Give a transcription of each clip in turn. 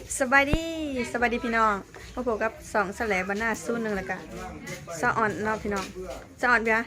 สบายดีพี่น้องพบกับ2แสลบรรณาสู้หนึ่งแล้วกันสะอ่อนเนาะพี่น้องสะอ่อนเบีย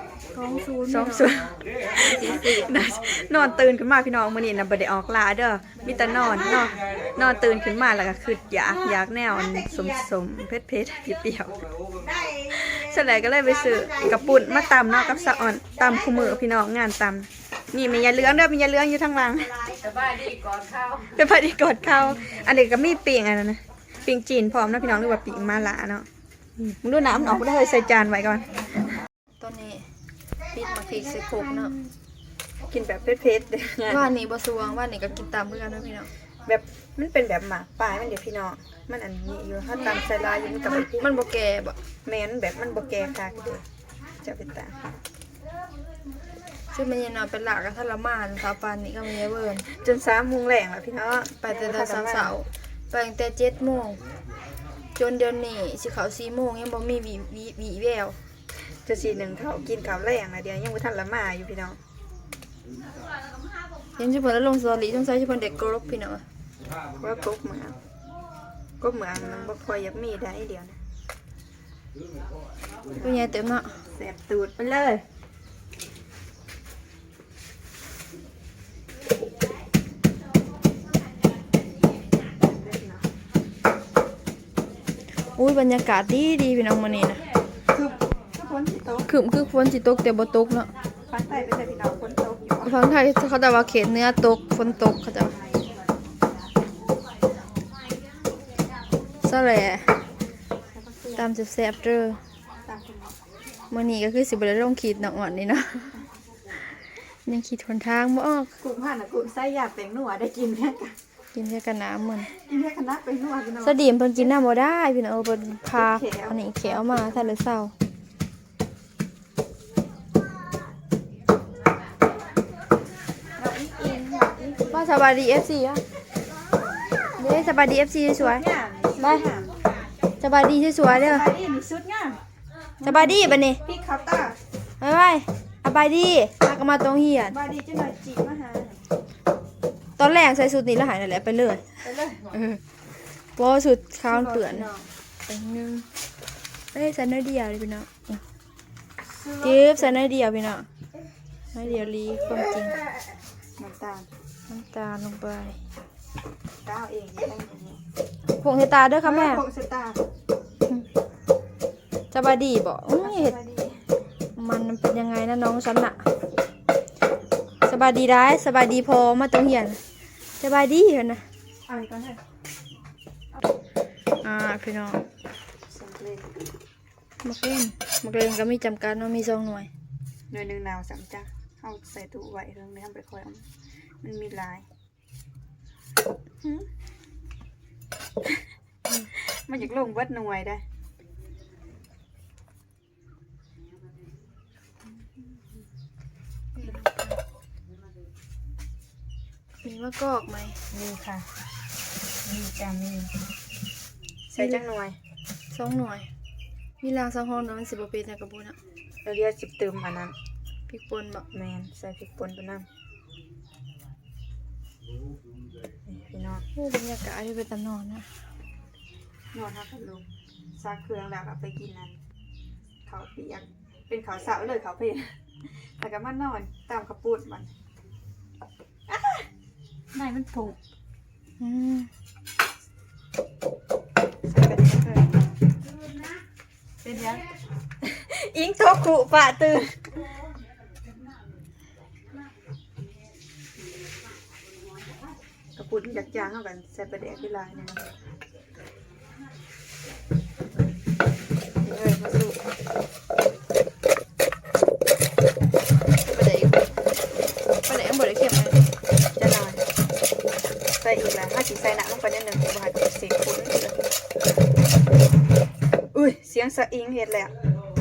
2-0 นอนตื่นขึ้นมาพี่น้องมื้อนี้น่ะบ่ได้ออกลาเด้อมีแต่นอนเนาะนอนตื่นขึ้นมาแล้วก็คืออยากแนวสมเผ็ดๆเปรี้ยวๆแสลก็เลยไปซื้อกระปุ่นมาตำเนาะกับสะอ่อนตำคู่มือพี่น้องงานตำนี่มียาเหลืองเด้อมียาเหลืองอยู่ทางหลังสบายดีก่อนข้าวเป็นพอดีกดเข้าอันเด็กก็มีปิงอันนั้นนะปิงจีนพร้อมนะพี่น้องหรือว่าปิงมาลาเนาะมึงดูน้ำออกกูได้เลยใส่จานไว้ก่อนตอนนี้ปิดมาพริกใส่โคกเนาะกินแบบเผ็ดๆเด้อว่านี่บ่สวงว่านี่ก็กินตามเพื่อนนะพี่น้องแบบมันเป็นแบบหมากปลายมันเดี๋ยวพี่น้องมันอันนี้อยู่ถ้าตามใส่ลายอยู่มันกับมันบ่แก่บ่แม่นแบบมันบ่แก่ค่ะก็เลยจะเป็นตาซึ่งมันยังนอนเป็นหลักกับทรมานสาวปานนี่ก็มีเวิร์นจน3 โมงแรงแล้วพี่น้องไปแต่เสาๆไปตั้งแต่7 โมงจนเดือนนี้สิเข้า4 โมงยังบ่มีวีแววจะ4-1เขากินข้าวแรงนะเดี๋ยวยังบ่ทันละมาอยู่พี่น้องยังสิเพิ่นลงสตอรี่สงสัยสิเพิ่นเด็กกรบพี่น้องว่ากบเหมืองมันบ่ค่อยอยากมีได้เดียวนะตัวใหญ่เต็มเนาะแสบตูดไปเลยอุ้ยบรรยากาศดีพี่น้องมื้อนี้นะคือฝนสิตกคือฝนสิตกแต่บ่ตกเนาะฟังไทยไปแต่พี่น้องฝนตกอยู่ฝั่งไทยเขาจะว่าเขตเหนือตกฝนตกเขาจะซะแหละตามแซ่บๆเด้อมื้อนี้ก็คือสิบ่ได้ลงขีดเนาะอ่อนนี่เนาะยังขีดหนทางบ่ออกกุ้งผ่านน่ะกุ้งไส้ยาแป้งนัวได้กินแค่กันกินแค่กันน้ำมันกินแค่คณะแป้งนัวพี่น้องสดีมเพิ่นกินน้ำบ่ได้พี่น้องเพิ่นพาอันนี้แขวมาถ้าเลยเศร้าว่าสบายดี FC อ่ะเด้สบายดี FC สวยๆไปสบายดีสวยๆเด้อสบายดีมีชุดงามสบายดีบัดนี้พี่เขาตาไปสบายดีแล้วก็มาตรงเฮียนสบายดีจังหน่อยจีมาหาตอนแรกใส่สูทนี้แล้วหายนั่นแหละไปเลยเพราะสูทขาวเปื่อนไปนึงเอ้ยใส่น้อยเดียวเลยพี่น้องจิ๊บใส่น้อยเดียวพี่น้องน้อยเดียวลีความจริงน้ำตาลลงไปก้าวเองอย่างนี้ผงเฮตาด้วยค่ะแม่ผงเซตาสบายดีบอกเห็ดมันเป็นยังไงนะน้องฉันน่ะสบายดีได้สบายดีพอมาตรงเหียนสบายดีเหรอนะพี่น้องมักเล่นก็มีจำกัดว่ามี2 หน่วยหนึ่งนาว3 จ้ะเอาใส่ตู้ไว้เรื่องนี้ทำไปค่อยมันมีลายมันอยากลงวัดหน่วยได้มีมะกอกไหมมีค่ะมีจ้ะมีใส่จังหน่วย 2 หน่วยมีราง2 ห้องนะมัน10 ปีนะกระปุกนะเราเรียก10 เติมอันนั้นพริกป่นบอกแมนใส่พริกป่นตัวนั้นพี่น้องบรรยากาศที่เป็นตำนอนนะนอนทับลงซากเครื่องแล้วก็ไปกินนั้นเขาเปียกเป็นเขาสาวเลยเขาเปียกแต่ก็มานอนตามขปูดมันนายมันผงใส่กันเลยเป็นยังอิงโทกุปะตื่นกระปุกอยากจางเข้ากันใส่ประเดี๋ยวที่ลายเนี่ยมาสู้ประเดี๋ยวบ่ได้เค็มเลยจะนอนใส่อีกแล้วถ้าสีใส่หนักลงไปนิดหนึ่งบาดเสียงคุ้นเลยอุ้ยเสียงสะอิงเห็ดแล้ว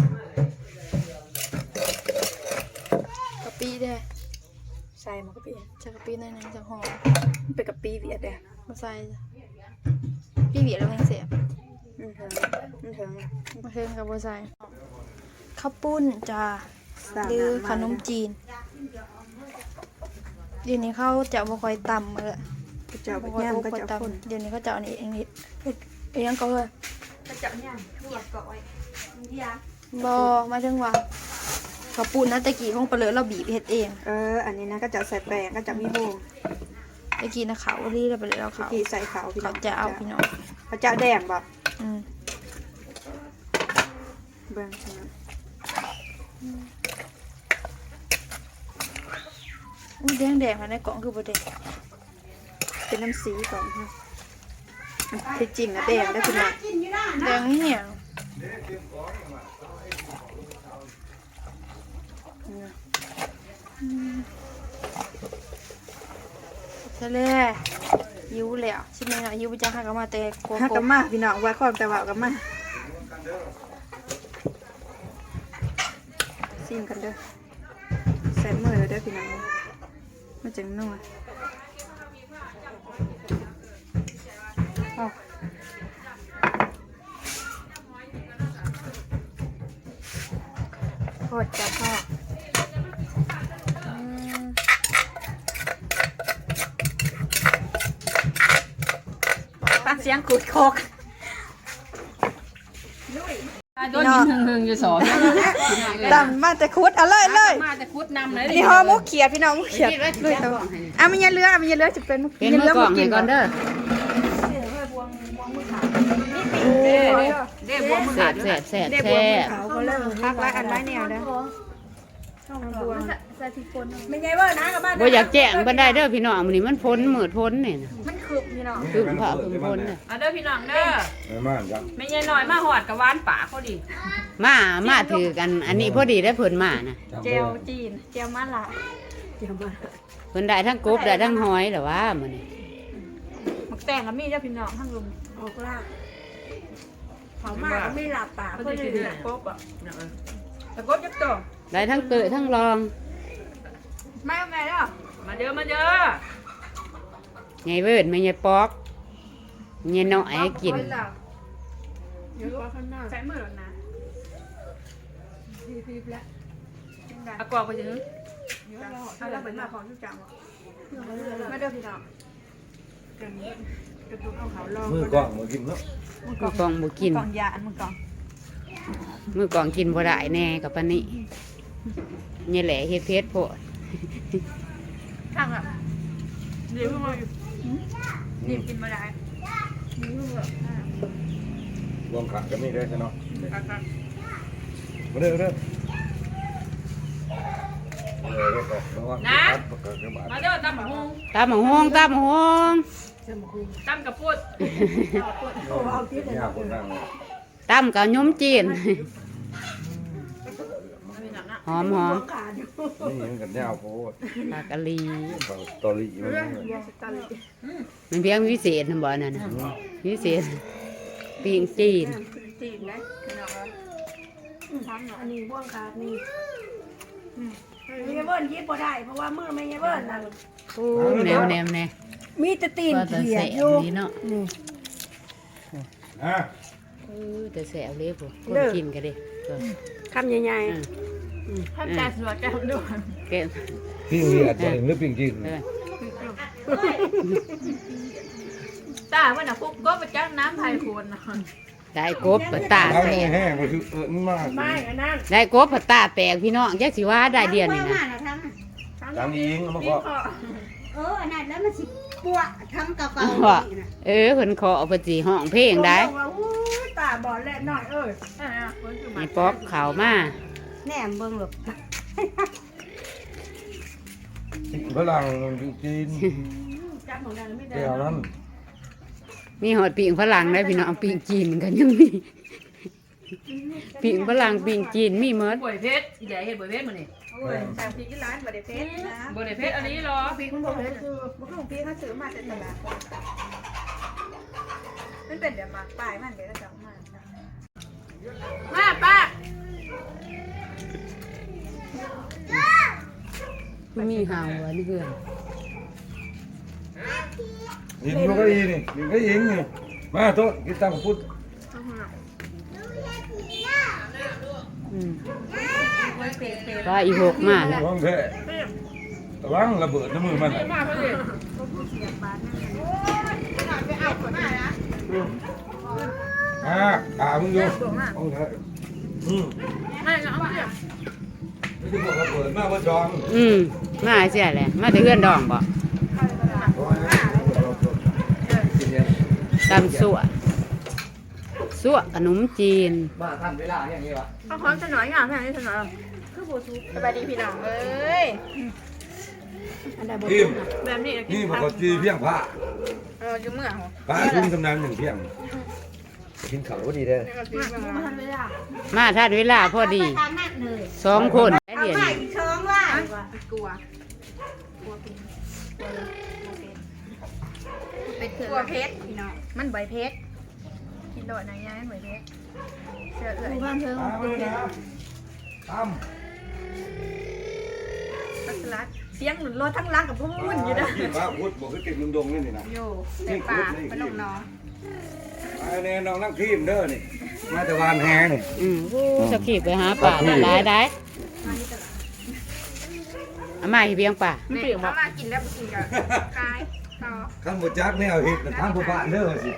กะปิได้ใส่มากะปิจะกะปิในนั้นจะหอมเป็นกะปิเวียดเลยมาใส่พี่เวียดแล้วมันเสียบมันถึงมาเทิงกับบัวใส่ข้าวปุ้นจ้าหรือขนมจีน เดี๋ยวนี้เขาจะบ่ค่อยตำเลยกระเจ้าไปย่ำกระเจ้าคนเดี๋ยวนี้เขาเจ้าอันนี้เองนี่เฮ็ดเองก็เฮ้ยกระเจ้าย่ำทั่วก่อยยาบ่มาถึงว่าข้าวปุ้นนะตะกี้ของเปลือกเราบีบเฮ็ดเองอันนี้นะกระเจ้าใส่แป้งกระเจ้ามีโบงตะกี้นะเขาลีเราไปเลยเราเขากี่ใส่ขาวพี่น้เขาองจะเอาพี่น้องกระเจ้าแดงบ่อืมเบิ่งใช่ไหมอุ้ยแดงๆค่ะในกล่องคือบ่แดงเป็นน้ำสีก่อนค่ะที่จริงนะแดงได้พี่น้องแดงนี่เนี่ยทะเลยิ้วแล้วใช่ไหมเนาะยิ้วไปจ้าค่ะก็มาแต่โกฮักโก้กันมาพี่น้องว่าความแต่ว่ากันมาซิมกันเด้อใส่มือเด้อพี่น้องมาจังนัวโคตรจะพ่อฟังเสียงขูดโคกโดนกินหึงๆอยู่สองดำมาแต่คุดเอาเลยเลยมาจะคุดนำเลยนี่ห่อหมุกเขียดพี่น้องหมุกเขียดเลยเอามันยันเรือเอามันยันเรือจะเป็นเป็นมือกล่องให้ก่อนเด้อเด้บวงมือขาดแสบแสบแสบเขาก็เริ่มพักไล่อันไม้แนวเด้อไม่ใช่ว่านะกับบ้านบ่อยากแจ้งบ่ได้เด้อพี่น้องมื้อนี้มันพ้นมืดพ้นนี่นะมันคืบพี่น้องคือผ้าคือพ้นน่ะเอาเด้อพี่น้องเด้อมาจ้ะไม่ใช่น้อยมาหอดกับหวานป่าเขาดิมาถือกันอันนี้พอดีได้เพิ่นมานะเจลจีนเจลมาละเจลมาเพิ่นได้ทั้งกบได้ทั้งหอยแหละว่ามื้อนี้หมักแต่งกับมีเด้อพี่น้องทั้งลุมออกล่าเผามากไม่หลับปากเขาเพื่อจะนกินเลยกบอ่ะตะกบยับตัวได้ทั้งเตยทั้งรองไม่เอาไงเด้อมาเด้อมาเด้อไงเวิร์ดไม่ไงปอกไงน้อยให้กินเดี๋ยวว่าข้างหน้าใส่มือแล้วนะพีบแล้วเอากรอกไปถึงเอาแล้วเป็นมาของทุกจังมาเด้อพี่น้องกันกระตุ้นเอาเขาลองมือกล้องมือกินเนาะมือกองบ่กินกล่องยาอันมือกล่องมือกองกินบ่ได้แน่กับปานนี้นี่แหละเฮ็ดเพชรโพดข้างอ่ะเดี๋ยวมานี่กินมาได้รวมขากันนี่ได้ใช่เนาะมาเด้อเด้อนะมาเด้อตำบักฮงตามหงตามหงตำกับพูดยากคนนั่งตามกับยมจีนหอมหอมนี่ยังกันยาวโพดปลากะลีตอรี่มันมันเพียงวิเศษนะบ่นั่นน่ะวิเศษปิ้งจีนจีนได้พี่น้องอันนี้บ่วงขาดนี่ไม่ใช่เบิ้ลยิบบ่ได้เพราะว่ามือไม่ใช่เบิ้ลนะโอ้แนวแนวแนวมีแต่ตีนก็จะเขียแสดบอยู่นี่เนาะอ่ะแต่แสบเลยพวกคนกินกันดิก็คำใหญ่ท่านใจสวยแก้วด้วยแกะปิ้งเรียดตัวเองหรือปิ้งกินเออตาว่าน่ะพวกก็ไปจ้างน้ำไผ่โคนนะได้กบปะตาทั้งแตกแห้งก็คือมันมากได้กบปะตาแตกพี่น้องจักสิว่าได้เดียวนี่นะทั้งยิงมันก็อันนั้นแล้วมันสิปวดทำเก่าว่าเออเพิ่นขอเอาไปสิห้องเพลงได้ตาบอดแหละหน่อยเอ้ยมีป๊อกข้าวมาแหนมเบิ่งหรอกฝรั่งจีนจับของดันไม่ได้แก้วนั้นมีหอดปิ่งฝรั่งได้พี่น้องปิ่งจีนกันยังมีปิ่งฝรั่งปิ่งจีนมีหมดบวยเพชรใหญ่เห็ดบวยเพชรมานี่โอ้ยสั่งพริกที่ร้านบะเดเพชรนะบวยเพชรอันนี้เหรอพริกมันบอกเลยคือบุกของพริกเขาซื้อมาจากตลาดมันเป็นเดี๋ยวมาป้ายมันเดี๋ยวเราจะมามาป้ามีหาวอันนี้เพื่อนยิงมันก็ยิงนี่ยิงก็ยิงนี่มาโต๊ะกินตังพุทธว่าอีหกมาแล้วห้องแท้ระวังระเบิดน้ำมือมันมึงอยู่เอาเถอะไม่ได้บอกระเบิดมากว่าจองมาเสียแหละมาแต่เพื่อนดองบ่ตำสั่วขนมจีนเอาพร้อมจะหน่อยอย่างแม่นี่จะหน่อยสบายดีพี่น้องเอ้ยทีมแบบนี้นี่มันก็จีเพียงผ้าอยู่เมื่อผ้าทุ่งกำนันหนึ่งเพียงกินข้าวก็ดีเด้อมาทันเวลาพอดีทางนั้นเลย 2 คนได้เอาเดียวไข่นี้ช้องว่ากลัวเป็ดเถื่อนกลัวเพชรพี่น้องมันใบเพชรกินโดดนะยายใบเพชรเสือเอื่อยบ้านเธอตามเลยนะตามตัสลัดเสียงหนุนรถทั้งร้านกับพุ่นอยู่นะที่ว่าพุทธบอกคือติดลุงดงนี่นะอยู่แต่ป่าพนมน้องไอ้เนี่ยน้องนั่งทีมเด้อนี่มาแต่วานแฮนี่สกีไปหาป่าหลายได้อามาให้เพียงป่าแม่เขามากินแล้วกินกับกายต่อขั้นบจักไม่เอาเห็ดแต่ทางผู้บ้านเด้อสิ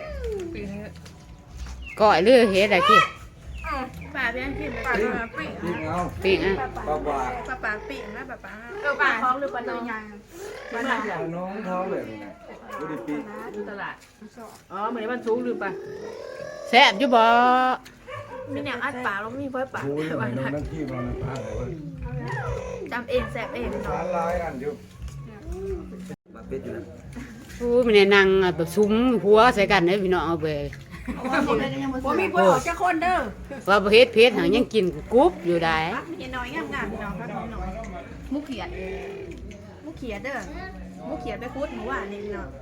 ก้อยเลือเฮ็ดอะไรกี้ป่าเพียงกินป่ามาปิ้งยิงเอาปิ้งอ่ะป้าว่าป่าปิ้งนะป่าป่าท้องหรือป่าน้องป่าน้องน้องท้องเลยนี่นะบ่ได้ปีอ๋อเหมือนมันสูงหรือปะแซ่บอยู่บ่มีแนวอัดป่าแล้วมีเพื่อป่าโอ้ยน้องนั่งทีมมันพาเลยว่าจำเองแสบเองสารลายอันเดียวมาเป็ดอยู่นะมันได้นั่งแบบซุ้มหัวใส่กันเด้อพี่น้องเอาไปว่ามีคนออกจากคนเด้อว่าบ่เฮ็ดเพชรหังยังกินกรุบอยู่ได้มีน้อยงามๆน้องครับน้อยมุกเขียดเด้อมุกเขียดไปคุดหมูว่านี่เนาะ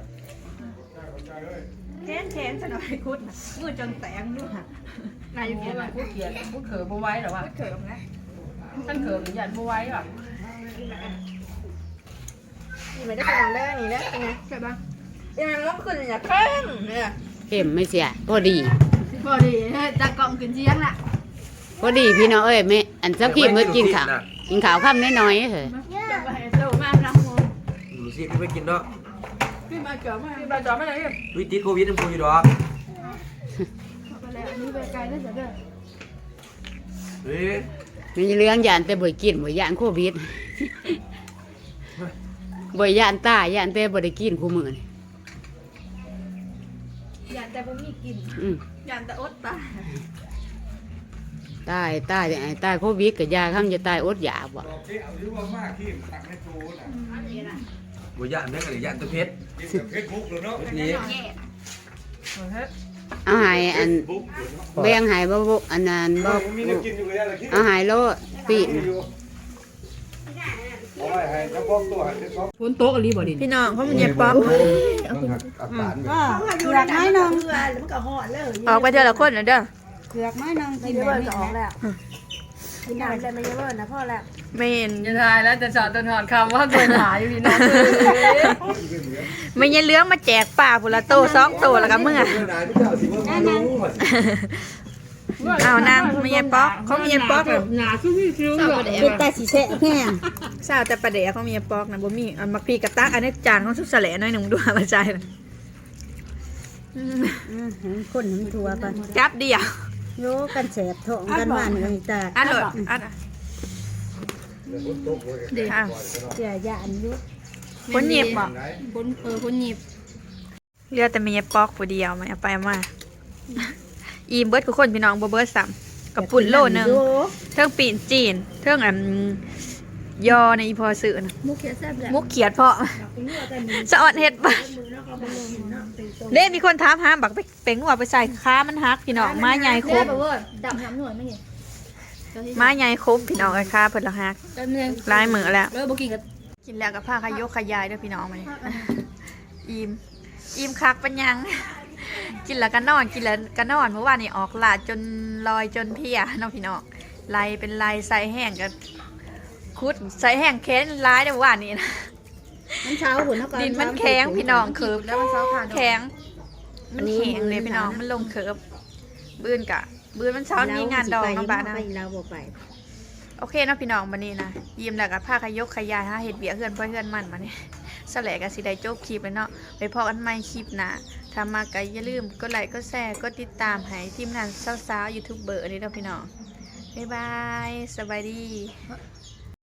แค้นซะหน่อยคุดมือจนแตกด้วยนายอยู่เขียนผู้เขียนผู้เขิมบ่ไว้หรอวะเขิมนะท่านเขิมหรือยันบ่ไว้หรอนี่ไม่ได้เป็นแรกนี่แหละเป็นไงใช่ปะยังไงมันขึ้นอย่างเข้มเนี่ยเข้มไม่เสียพอดีพอดีจะกล่องขึ้นเชียงละพอดีพี่น้องเอ้ยแม่อันสักกี้มื้อกินข้าวค่ำน้อยๆเฮ้ยจะไปโตมากนะโมดูสิไม่กินเนาะพี่มาเจอมาพี่บาจอไม่ได้ยังวิติดโควิดมันพูดอยู่ดอกไปแล้วอันนี้ไปไกลแล้วจะเด้อเฮ้ยมีเรื่องยานแต่บ่กินบ่ยานโควิดบ่ยานตายยานแต่บ่ได้กินคู่มื้อนี่ยันแต่ผมมีกินอืมยันแต่อดตายตายโควิดก็ยาคำจะตายอดอยากบ่ดอกเกี้ยวหรือว่ามากที่ตักในตูน่ะบัวย่านแม่กับย่านตัวเพชรกินกับเฟซบุ๊กเลยเนาะนี่เอาหายอันแบ่งหายบ่อันนั้นบ่มีน้ำกินอยู่เลยอะไรที่เอาหายโลดปีกเอาไว้ให้เจ้าของตัวให้เจ้าของฝนโต๊ะอะไรบ่ดิพี่น้องเพราะมันเย็บป๊อกมันหักอาการเผือกไม้นองออกไปเจอละคนนะเด้อเผือกไม้นองกินแบบนี้แล้วกินน้ำเลยไม่เยอะนะพ่อแล้วเมนจะทายแล้วจะสอนต้นหอนคำว่าเกินหาอยู่พี่น้องไม่ยันเลื้องมาแจกป่าพุละโต2โตแล้วก็เมื่อ เอานางไม่ยันป๊อกเขาไม่ยันป๊อกเลยหนาคือพี่คิ้วเป็นแต่สีแฉะแห้งสาวแต่ประเดี๋ยวเขามีปอกนะบ่มีอันมักพีกับตักอันนี้จานของสุดแสลหน่อยหนึ่งด้วยมาใจมันคนหนึ่งทัวกันจับเดียวโยกันแสบท้องกันหวานเลยตาอันโหลดอันดีค่ะเสียยาอันยุคนหยิบบอกคนหยิบเรือแต่มีปอกผู้เดียวมันเอาไปมาอีเบิร์ดคือคนพี่น้องบ่เบิร์ดซ้ำกับปุ่นโลนึงเทิงปีนจีนเทิงยอในอีพอสื่อนะมุกเขียแซ่บแหละมุกเขียดเพาะสะออนเห็ดปะเล่มีคนถามหาบักไปงวไปใส่ค้ามันฮักพี่น้องไม้ใหญ่คมดับน้ำหน่วยไม่เห็นไม้ใหญ่คมพี่น้องไอ้ค้าเพิ่นละฮักแป๊บนึงลายมือแล้วแล้วบ่กินกับกินแล้วกับผ้าขยกขยายด้วยพี่น้องมานี่อิ่มคักเป็นยัง กินแล้วก็นอนกินแล้วก็นอนเมื่อวานนี้ออกลาดจนลอยจนเพลียน้องพี่น้องลายเป็นลายใส่แห้งกับคุดใส่แห้งแค้นร้ายเมื่อวานนี้นะมันเช้าหุ่นเท่ากันดินมันแข็งพี่น้องเคิร์ฟแล้วมันแข็งมันแข็งเลยพี่น้องมันลงเคิร์ฟบื้นมันเช้านี้งานดองน้ำบานะไปเราบอกไปโอเคเนาะพี่น้องวันนี้นะยิ้มแล้วก็พาขยกขยายหาเห็ดเบียเพื่อนเพื่อนมันมาเนี่ยสแลกันสิได้จบคลิปเลยเนาะไปพอกันใหม่คลิปหน้าถ้ามาก็อย่าลืมกดไลค์กดแชร์กดติดตามให้ทีมงานสาวๆยูทูบเบอร์นี่เนาะพี่น้องบ๊ายบายสบายดี